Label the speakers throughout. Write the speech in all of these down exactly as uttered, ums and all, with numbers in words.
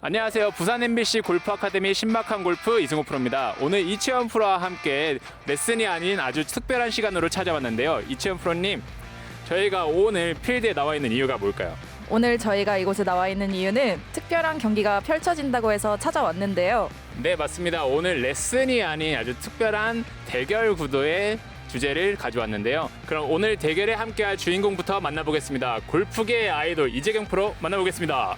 Speaker 1: 안녕하세요. 부산 엠비씨 골프 아카데미 신박한 골프 이승호 프로입니다. 오늘 이채원 프로와 함께 레슨이 아닌 아주 특별한 시간으로 찾아왔는데요. 이채원 프로님, 저희가 오늘 필드에 나와 있는 이유가 뭘까요?
Speaker 2: 오늘 저희가 이곳에 나와 있는 이유는 특별한 경기가 펼쳐진다고 해서 찾아왔는데요.
Speaker 1: 네, 맞습니다. 오늘 레슨이 아닌 아주 특별한 대결 구도의 주제를 가져왔는데요. 그럼 오늘 대결에 함께할 주인공부터 만나보겠습니다. 골프계의 아이돌 이재경 프로 만나보겠습니다.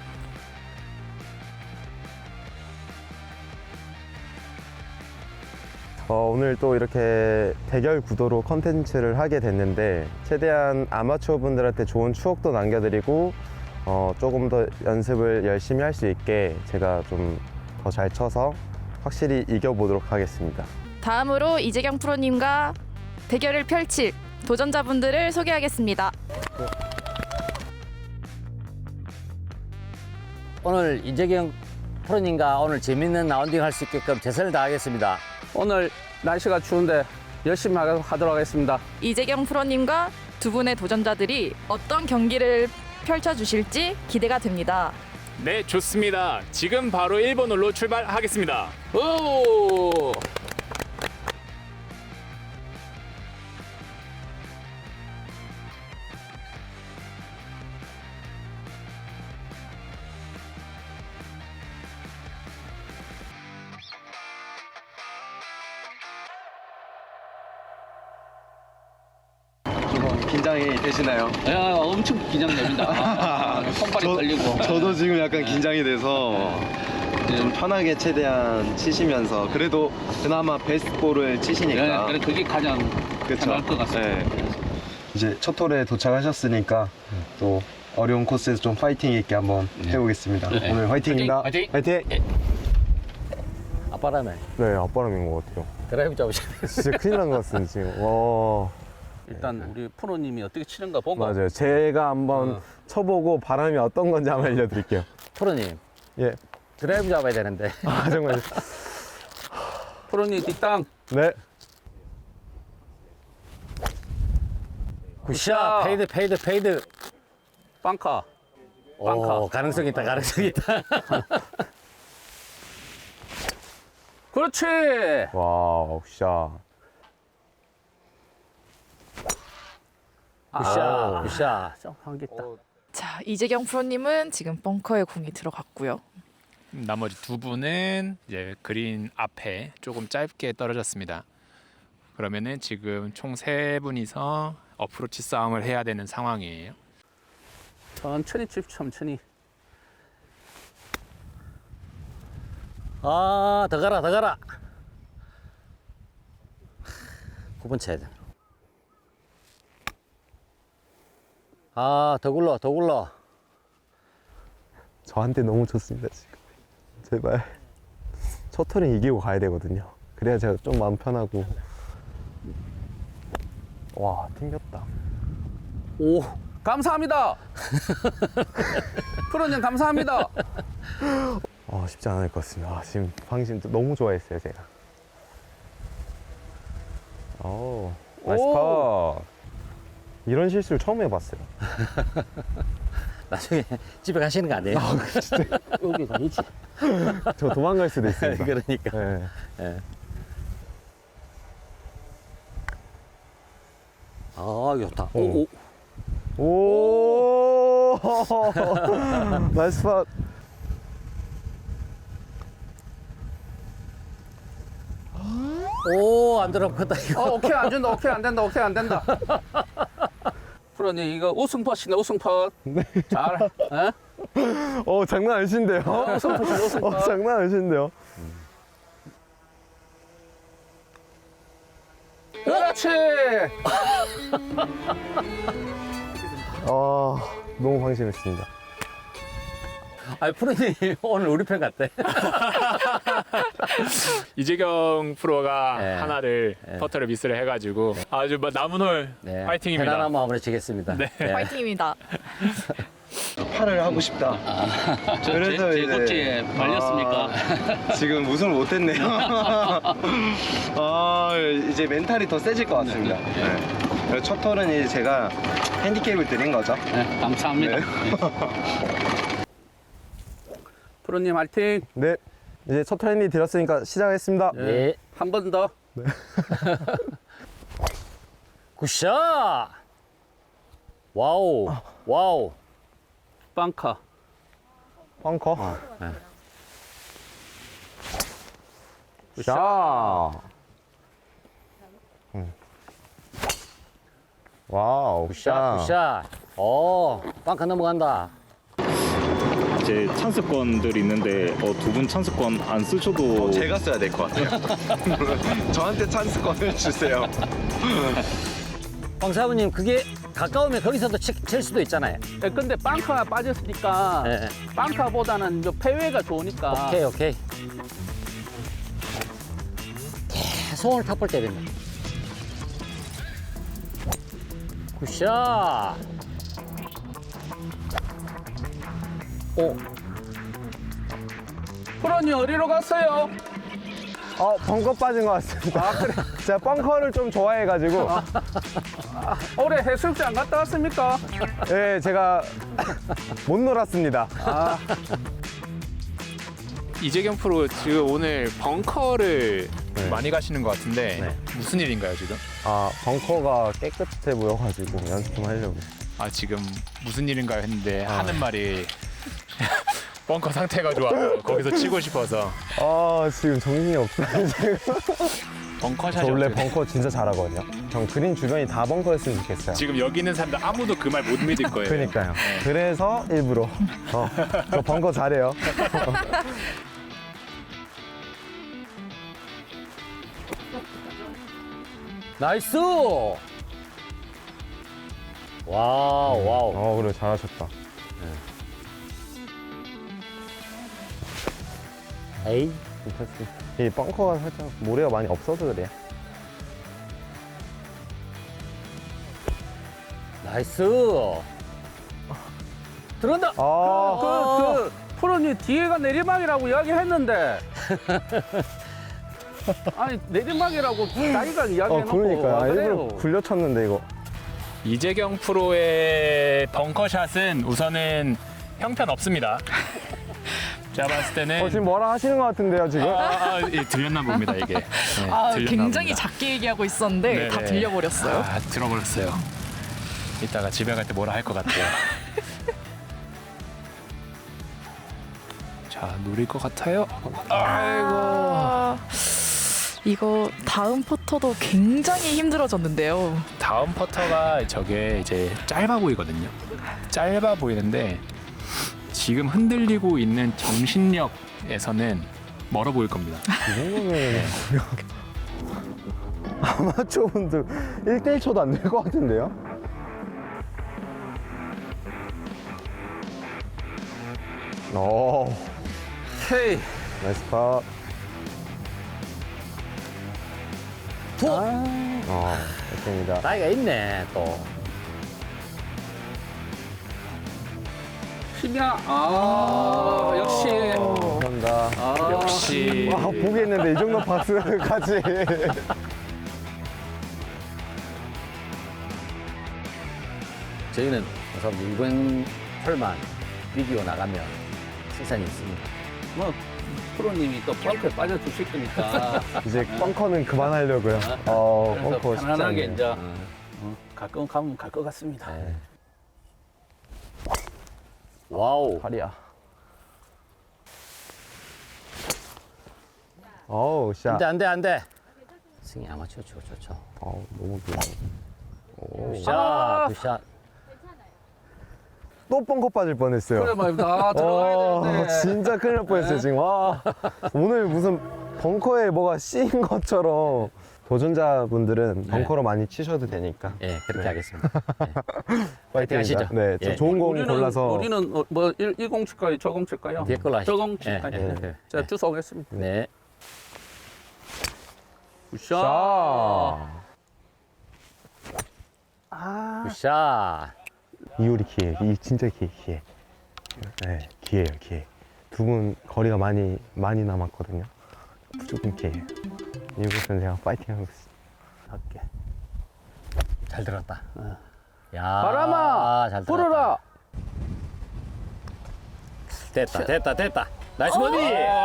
Speaker 3: 어, 오늘 또 이렇게 대결 구도로 컨텐츠를 하게 됐는데 최대한 아마추어 분들한테 좋은 추억도 남겨드리고 어, 조금 더 연습을 열심히 할 수 있게 제가 좀 더 잘 쳐서 확실히 이겨보도록 하겠습니다.
Speaker 2: 다음으로 이재경 프로님과 대결을 펼칠 도전자분들을 소개하겠습니다.
Speaker 4: 오늘 이재경 프로님과 오늘 재밌는 라운딩 할 수 있게끔 최선을 다하겠습니다.
Speaker 5: 오늘 날씨가 추운데 열심히 하도록 하겠습니다.
Speaker 2: 이재경 프로님과 두 분의 도전자들이 어떤 경기를 펼쳐주실지 기대가 됩니다.
Speaker 1: 네, 좋습니다. 지금 바로 일 번 홀로 출발하겠습니다.
Speaker 5: 오!
Speaker 6: 긴장이 되시나요?
Speaker 5: 야, 엄청 긴장됩니다. 손발이
Speaker 6: 저-
Speaker 5: 떨리고.
Speaker 6: 저도 지금 약간 긴장이 돼서 좀 편하게 최대한 치시면서 그래도 그나마 베스트 볼을 치시니까
Speaker 5: 네, 그래, 그게 가장
Speaker 6: 그쵸?
Speaker 5: 편할 것 같습니다.
Speaker 6: 네. 이제 첫 홀에 도착하셨으니까 또 어려운 코스에서 좀 파이팅 있게 한번 해보겠습니다.
Speaker 5: 네.
Speaker 6: 오늘 화이팅입니다.
Speaker 5: 화이팅!
Speaker 3: 화이팅!
Speaker 4: 아빠라면
Speaker 3: 네, 앞바람인 것 같아요.
Speaker 4: 드라이브 잡으시면
Speaker 3: 진짜 큰일 난 것 같습니다, 지금. 와,
Speaker 5: 일단 우리 프로님이 어떻게 치는가 보고.
Speaker 3: 맞아요. 제가 한번
Speaker 5: 어.
Speaker 3: 쳐보고 바람이 어떤 건지 한번 알려드릴게요.
Speaker 4: 프로님
Speaker 3: 예.
Speaker 4: 드라이브 잡아야 되는데
Speaker 3: 아, 정말.
Speaker 5: 프로님 뒷땅.
Speaker 3: 네.
Speaker 4: 굿샷 페이드 페이드 페이드
Speaker 5: 빵카.
Speaker 4: 오,
Speaker 5: 빵카.
Speaker 4: 가능성 있다 가능성 있다.
Speaker 5: 그렇지.
Speaker 3: 와우, 샷.
Speaker 4: 굿샷 굿샷 좀 한 개 있다.
Speaker 2: 자, 이재경 프로님은 지금 벙커에 공이 들어갔고요.
Speaker 1: 나머지 두 분은 이제 그린 앞에 조금 짧게 떨어졌습니다. 그러면은 지금 총 세 분이서 어프로치 싸움을 해야 되는 상황이에요.
Speaker 5: 천천히 칩, 천천히.
Speaker 4: 아, 더 가라 더 가라. 구 번 쳐야 돼. 아, 더 굴러 더 굴러.
Speaker 3: 저한테 너무 좋습니다, 지금. 제발. 첫 턴에 이기고 가야 되거든요. 그래야 제가 좀 마음 편하고. 와, 튕겼다.
Speaker 5: 오, 감사합니다. 프로님 감사합니다.
Speaker 3: 아, 쉽지 않을 것 같습니다. 아, 지금 방심 너무 좋아했어요, 제가. 오, 나이스 파. 이런 실수를 처음 해봤어요.
Speaker 4: 나중에 집에 가시는 거 아니에요? 여기 가야지.
Speaker 3: 저 도망갈 수도 있습니다.
Speaker 4: 그러니까.
Speaker 3: 네.
Speaker 4: 예. 아, 좋다. 오, 오.
Speaker 3: 오, 나이스 파.
Speaker 4: 오, 안 들어갔다, 이거.
Speaker 5: 어, 오케이 안 된다. 오케이 안 된다. 오케이 안 된다. 프로님 이거 우승 퍼시네 우승 퍼. 네. 잘. 에?
Speaker 3: 어, 장난 아니신데요?
Speaker 5: 우승 퍼시 우승 퍼.
Speaker 3: 어, 장난 아니신데요?
Speaker 5: 그렇지.
Speaker 3: 아, 너무 방심했습니다.
Speaker 4: 아, 프로님 오늘 우리 편 같대.
Speaker 1: 이재경 프로가
Speaker 4: 네.
Speaker 1: 하나를
Speaker 4: 네.
Speaker 1: 퍼터를 미스를 해가지고 아주 막 남은 홀
Speaker 4: 네.
Speaker 1: 파이팅입니다.
Speaker 4: 편안한 마음으로 치겠습니다.
Speaker 1: 네.
Speaker 4: 네.
Speaker 2: 파이팅입니다.
Speaker 6: 팔을 하고 싶다.
Speaker 5: 저
Speaker 6: 그래서
Speaker 5: 제, 제
Speaker 6: 이제-
Speaker 5: 고치에 말렸습니까?
Speaker 6: 아, 지금 우승을 못했네요. 아, 이제 멘탈이 더 세질 것 같습니다. 네. 첫 털은 이제 제가 핸디캡을 드린 거죠.
Speaker 5: 네, 감사합니다.
Speaker 6: 네.
Speaker 5: 프로님 화이팅.
Speaker 3: 네. 이제 첫 트레이닝 드렸으니까 시작하겠습니다.
Speaker 4: 네.
Speaker 5: 한 번 더.
Speaker 4: 굿샷. 와우. 와우.
Speaker 5: 빵카.
Speaker 3: 벙커.
Speaker 4: 네.
Speaker 3: 샷. 음. 와우.
Speaker 4: 굿샷. 굿샷. 오, 빵카 넘어간다.
Speaker 7: 이제 찬스권들이 있는데 어, 두 분 찬스권 안 쓰셔도
Speaker 6: 제가 써야 될 것 같아요. 저한테 찬스권을 주세요.
Speaker 4: 황사부님 그게 가까우면 거기서도 치, 칠 수도 있잖아요.
Speaker 5: 예, 근데 빵카가 빠졌으니까
Speaker 4: 네.
Speaker 5: 빵카보다는 저 페웨이가 좋으니까.
Speaker 4: 오케이 오케이. 계속 오늘 탑볼 때렸네. 굿샷. 오,
Speaker 5: 프로님 어디로 갔어요?
Speaker 3: 어, 벙커 빠진 것 같습니다. 제가 벙커를 좀 좋아해가지고.
Speaker 5: 올해 해수욕장 갔다 왔습니까?
Speaker 3: 네, 제가 못 놀았습니다.
Speaker 1: 이재경 프로 지금 오늘 벙커를
Speaker 3: 네.
Speaker 1: 많이 가시는 것 같은데
Speaker 4: 네.
Speaker 1: 무슨 일인가요 지금?
Speaker 3: 아, 벙커가 깨끗해 보여가지고 연습 좀 하려고.
Speaker 1: 아 지금 무슨 일인가요 했는데
Speaker 3: 아.
Speaker 1: 하는 말이 벙커 상태가 좋아서 거기서 치고 싶어서
Speaker 3: 아, 지금 정신이 없어요, 지금.
Speaker 1: 벙커
Speaker 3: 저
Speaker 1: 샷이
Speaker 3: 원래
Speaker 1: 어떻게
Speaker 3: 벙커 진짜 잘하거든요. 전 그린 주변이 다 벙커였으면 좋겠어요.
Speaker 1: 지금 여기 있는 사람들 아무도 그 말 못 믿을 거예요.
Speaker 3: 그러니까요. 그래서 일부러 어, 저 벙커 잘해요.
Speaker 4: 나이스. 와우 와우.
Speaker 3: 어, 그래 잘하셨다.
Speaker 4: 에이.
Speaker 3: 괜찮습니다. 이 벙커가 살짝 모래가 많이 없어서 그래요.
Speaker 4: 나이스. 들어간다.
Speaker 3: 아,
Speaker 5: 그, 그, 프로님 뒤에가 내리막이라고 이야기했는데. 아니, 내리막이라고 자기가
Speaker 3: 어,
Speaker 5: 이야기해놓고.
Speaker 3: 그러니까
Speaker 5: 와,
Speaker 3: 일부러
Speaker 5: 그래요.
Speaker 3: 굴려쳤는데 이거.
Speaker 1: 이재경 프로의 벙커샷은 우선은 형편 없습니다. 제가 봤을 때는
Speaker 3: 어, 지금 뭐라 하시는 것 같은데요, 지금?
Speaker 1: 아, 아, 예, 들렸나 봅니다 이게. 네,
Speaker 2: 아,
Speaker 1: 들렸나
Speaker 2: 굉장히
Speaker 1: 봅니다.
Speaker 2: 작게 얘기하고 있었는데
Speaker 1: 네네.
Speaker 2: 다 들려버렸어요.
Speaker 1: 아, 들어버렸어요. 이따가 집에 갈 때 뭐라 할 것 같아요. 자, 노릴 것 같아요. 아이고.
Speaker 2: 아, 이거 다음 퍼터도 굉장히 힘들어졌는데요.
Speaker 1: 다음 퍼터가 저게 이제 짧아 보이거든요. 짧아 보이는데 지금 흔들리고 있는 정신력에서는 멀어 보일 겁니다.
Speaker 3: 이 정도면 아마추어 분들 일 대 일 초도 안 될 것 같은데요? 오,
Speaker 5: 헤이.
Speaker 3: 나이스 파.
Speaker 4: 툭.
Speaker 3: 어, 됐습니다.
Speaker 4: 나이가 있네 또.
Speaker 5: 심야. 아, 역시.
Speaker 3: 어, 감사합니다.
Speaker 5: 아,
Speaker 1: 역시
Speaker 3: 와, 보겠는데 이 정도 파스까지.
Speaker 4: 저희는 우선 이번 털만 비디오 나가면 시선이 있습니다.
Speaker 5: 뭐, 프로님이 또 벙커에 빠져주실 거니까.
Speaker 3: 이제 벙커는 그만하려고요. 어,
Speaker 5: 그래서
Speaker 3: 벙커 쉽지
Speaker 5: 편안하게
Speaker 3: 않네요.
Speaker 5: 이제 어, 가끔 가면 갈 것 같습니다.
Speaker 4: 네. 와우.
Speaker 3: 팔이야. 어우, 샷.
Speaker 4: 안돼 안돼 안돼. 승희 아마추어 치고 좋죠.
Speaker 3: 어우, 너무 좋아. 오.
Speaker 4: 굿샷
Speaker 5: 아.
Speaker 4: 굿샷.
Speaker 3: 또 벙커 빠질 뻔했어요.
Speaker 5: 그래 말입니다. 아, 들어가야
Speaker 3: 어,
Speaker 5: 되는데.
Speaker 3: 진짜 큰일 날 뻔했어요, 지금. 와, 오늘 무슨 벙커에 뭐가 씌인 것처럼. 도전자분들은 벙커로 많이 치셔도 되니까.
Speaker 4: 예 그렇게
Speaker 3: 네.
Speaker 4: 하겠습니다. 예.
Speaker 3: 파이팅
Speaker 4: 하시죠.
Speaker 3: 네, 저
Speaker 4: 예.
Speaker 3: 좋은 공
Speaker 5: 우리는,
Speaker 3: 골라서.
Speaker 5: 우리는 어, 뭐 일, 일공 칠까요? 저공 칠까요?
Speaker 4: 뒤에 걸로 하시죠.
Speaker 5: 저공 칠까요?
Speaker 4: 예, 예, 예.
Speaker 5: 제가 주워 오겠습니다.
Speaker 4: 네.
Speaker 5: 굿샷.
Speaker 3: 자,
Speaker 5: 아,
Speaker 4: 굿샷.
Speaker 3: 이효리 기회, 이 진짜 기회, 기회. 네, 기회예요, 기회. 두 분 거리가 많이 많이 남았거든요. 무조건 기회예요. 이곳은 제가 파이팅하고 있습니다.
Speaker 4: 할게. 잘 들었다. 야.
Speaker 5: 바람아,
Speaker 4: 잘 들었다.
Speaker 5: 불어라.
Speaker 4: 됐다 됐다 됐다. 나이스 버디.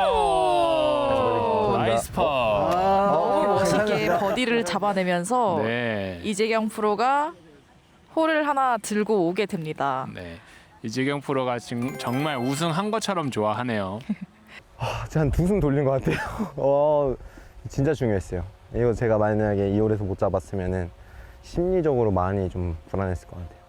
Speaker 1: 오, 나이스 파.
Speaker 2: 너무 멋있게
Speaker 3: 감사합니다.
Speaker 2: 버디를 잡아내면서
Speaker 1: 네.
Speaker 2: 이재경 프로가 홀을 하나 들고 오게 됩니다.
Speaker 1: 네. 이재경 프로가 지금 정말 우승한 것처럼 좋아하네요.
Speaker 3: 제가 한 두 승 돌린 것 같아요. 어, 진짜 중요했어요. 이거 제가 만약에 이 홀에서 못 잡았으면은 심리적으로 많이 좀 불안했을 것 같아요.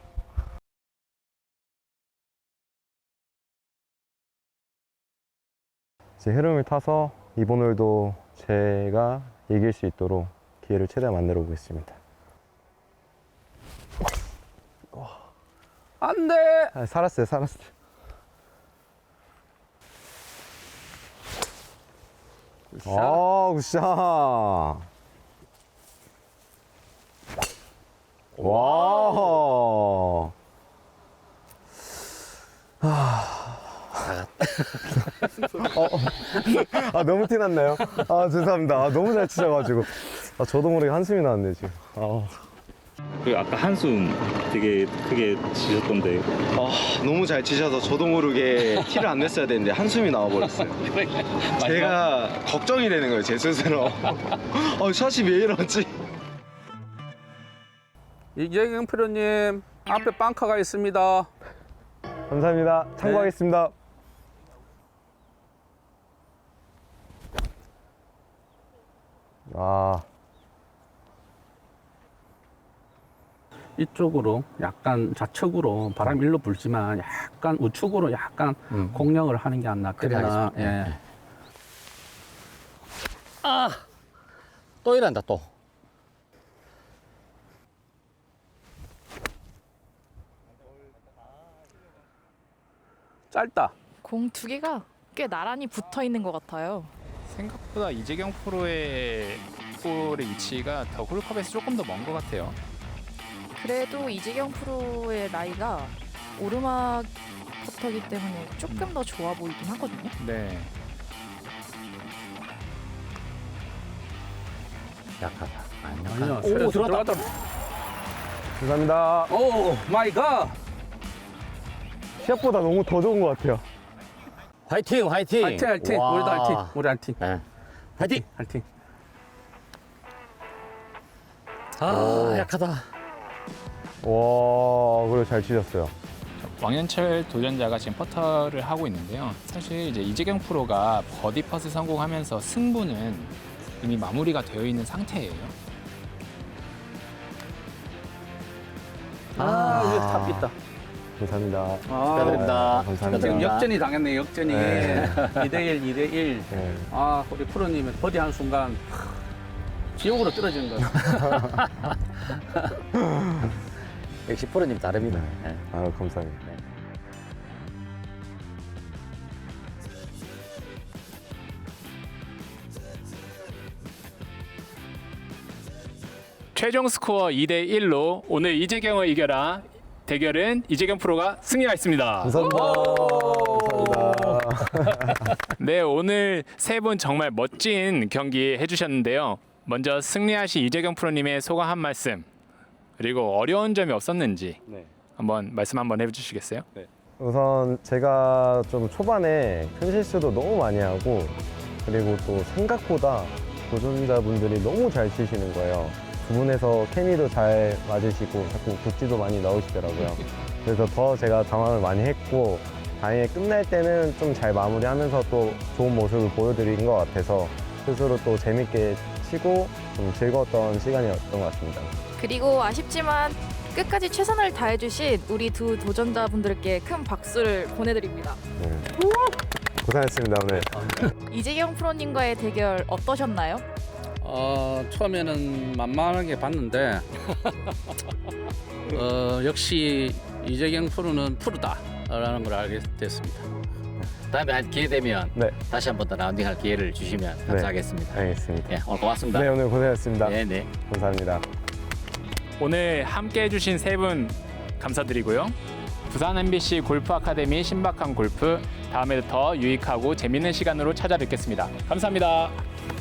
Speaker 3: 제 흐름을 타서 이번 홀도 제가 이길 수 있도록 기회를 최대한 만들어 보겠습니다.
Speaker 5: 안 돼.
Speaker 3: 아, 살았어요, 살았어요. 아, 굿샷. 와. 어, 아, 너무 티났나요? 아, 죄송합니다. 아, 너무 잘 치셔가지고. 아, 저도 모르게 한숨이 나왔네, 지금. 아.
Speaker 7: 그 아까 한숨 되게 크게 치셨던데
Speaker 6: 아, 너무 잘 치셔서 저도 모르게 티를 안 냈어야 되는데 한숨이 나와버렸어요. 제가 걱정이 되는 거예요, 제 스스로. 어, 샷이 왜 이러지?
Speaker 5: 이재경 프로님 앞에 빵카가 있습니다.
Speaker 3: 감사합니다. 참고하겠습니다. 아,
Speaker 5: 이쪽으로 약간 좌측으로 바람 일로 불지만 약간 우측으로 약간
Speaker 4: 음.
Speaker 5: 공략을 하는 게 안
Speaker 4: 그래
Speaker 5: 낫겠나.
Speaker 4: 하겠습니다.
Speaker 5: 예.
Speaker 4: 예. 아, 또 이란다 또.
Speaker 5: 짧다.
Speaker 2: 공 두 개가 꽤 나란히 붙어 있는 것 같아요.
Speaker 1: 생각보다 이재경 프로의 볼의 위치가 더 홀컵에서 조금 더 먼 것 같아요.
Speaker 2: 그래도 이재경 프로의 나이가 오르막 퍼터기 때문에 조금 더 좋아 보이긴 하거든요.
Speaker 1: 네.
Speaker 4: 약하다. 안
Speaker 5: 아니요,
Speaker 4: 약하다.
Speaker 5: 오,
Speaker 4: 오, 들어왔다.
Speaker 3: 감사합니다.
Speaker 5: 오 마이 갓.
Speaker 3: 시합보다 너무 더 좋은 것 같아요.
Speaker 4: 화이팅, 화이팅.
Speaker 5: 화이팅 화이팅.
Speaker 4: 와.
Speaker 5: 우리도 화이팅. 우리 화이팅.
Speaker 4: 네. 화이팅.
Speaker 5: 화이팅.
Speaker 4: 아, 약하다.
Speaker 3: 와, 그래 잘 치셨어요.
Speaker 1: 왕현철 도전자가 지금 퍼터를 하고 있는데요. 사실 이제 이재경 프로가 버디 퍼스 성공하면서 승부는 이미 마무리가 되어 있는 상태예요.
Speaker 5: 아, 여기 탑 있다.
Speaker 3: 감사합니다.
Speaker 5: 아,
Speaker 4: 축하드립니다.
Speaker 3: 감사합니다.
Speaker 5: 지금
Speaker 4: 축하드립니다.
Speaker 5: 역전이 당했네, 역전이.
Speaker 3: 네.
Speaker 5: 이 대 일, 이 대 일.
Speaker 3: 네.
Speaker 5: 아, 우리 프로님은 버디 한 순간 지옥으로 떨어진 거.
Speaker 4: 역시 프로님 다릅니다.
Speaker 3: 네.
Speaker 4: 네.
Speaker 3: 아유, 감사합니다.
Speaker 1: 최종 스코어 이 대 일로 오늘 이재경을 이겨라 대결은 이재경 프로가 승리하였습니다.
Speaker 3: 감사합니다. 감사합니다.
Speaker 1: 네, 오늘 세 분 정말 멋진 경기 해주셨는데요. 먼저 승리하신 이재경 프로님의 소감 한 말씀, 그리고 어려운 점이 없었는지
Speaker 6: 네.
Speaker 1: 한번 말씀 한번 해주시겠어요?
Speaker 3: 우선 제가 좀 초반에 큰 실수도 너무 많이 하고, 그리고 또 생각보다 도전자분들이 너무 잘 치시는 거예요. 두 분에서 케미도 잘 맞으시고 자꾸 굿지도 많이 넣으시더라고요. 그래서 더 제가 당황을 많이 했고, 다행히 끝날 때는 좀 잘 마무리하면서 또 좋은 모습을 보여드린 것 같아서 스스로 또 재밌게 치고 좀 즐거웠던 시간이었던 것 같습니다.
Speaker 2: 그리고 아쉽지만 끝까지 최선을 다해주신 우리 두 도전자분들께 큰 박수를 보내드립니다.
Speaker 3: 네. 고생했습니다, 오늘.
Speaker 2: 이재경 프로님과의 대결 어떠셨나요?
Speaker 5: 어, 처음에는 만만하게 봤는데 어, 역시 이재경 프로는 프로다라는 걸 알게 됐습니다.
Speaker 4: 다음에 한 기회 되면
Speaker 3: 네,
Speaker 4: 다시 한 번 더 라운딩할 기회를 주시면 감사하겠습니다.
Speaker 3: 알겠습니다.
Speaker 4: 예, 오늘 고맙습니다.
Speaker 3: 네, 오늘 고생했습니다.
Speaker 4: 네, 네.
Speaker 3: 감사합니다.
Speaker 1: 오늘 함께 해주신 세 분 감사드리고요. 부산 엠비씨 골프 아카데미 신박한 골프, 다음에도 더 유익하고 재밌는 시간으로 찾아뵙겠습니다. 감사합니다.